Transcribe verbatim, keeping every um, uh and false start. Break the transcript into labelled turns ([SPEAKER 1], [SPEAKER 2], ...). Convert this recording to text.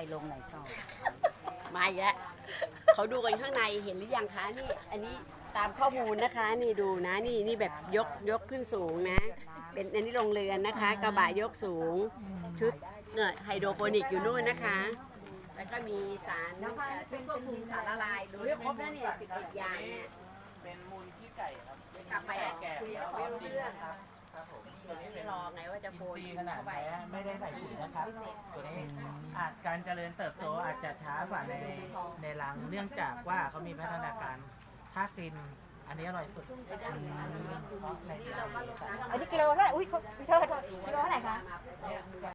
[SPEAKER 1] ลงไหนต่อ
[SPEAKER 2] มาอีกแล้วเขาดูกันข้างในเห็นหรือยังคะนี่อันนี้ตามข้อมูลนะคะนี่ดูนะนี่นี่แบบยกยกขึ้นสูงนะเป็นอันนี้โรงเรือนนะคะกระบะยกสูงชุดเนี่ยไฮโดรโปนิกอยู่นู่นนะคะ แล้วก็มีสารชุดควบคุมสารละลายดูให้ครบนะเนี่ยสิบเอ็ดอย่างเนี่ย
[SPEAKER 3] เป็นมูลขี้ไก่ครับ
[SPEAKER 2] กลับไปอ่ะคุยกับเขาไม่รู้เรื่อง
[SPEAKER 3] ครับผม
[SPEAKER 2] ไม่รอไงว่าจะโฟน
[SPEAKER 3] ซีขนาด
[SPEAKER 2] เข้าไป
[SPEAKER 3] นี้ไม่ได้ใส่ปุ๋ยนะครับ ตัวนี้อาจการเจริญเติบโตอาจจะช้ากว่าในในรังเนื่องจากว่าเขามีพัฒนาการถ้าซินอันนี้อร่อยสุดเพราะใน
[SPEAKER 2] นี่เราก็ลดน้ำ
[SPEAKER 1] อันนี้กิโลเท่าไหร่อุ้ยพี่โทษ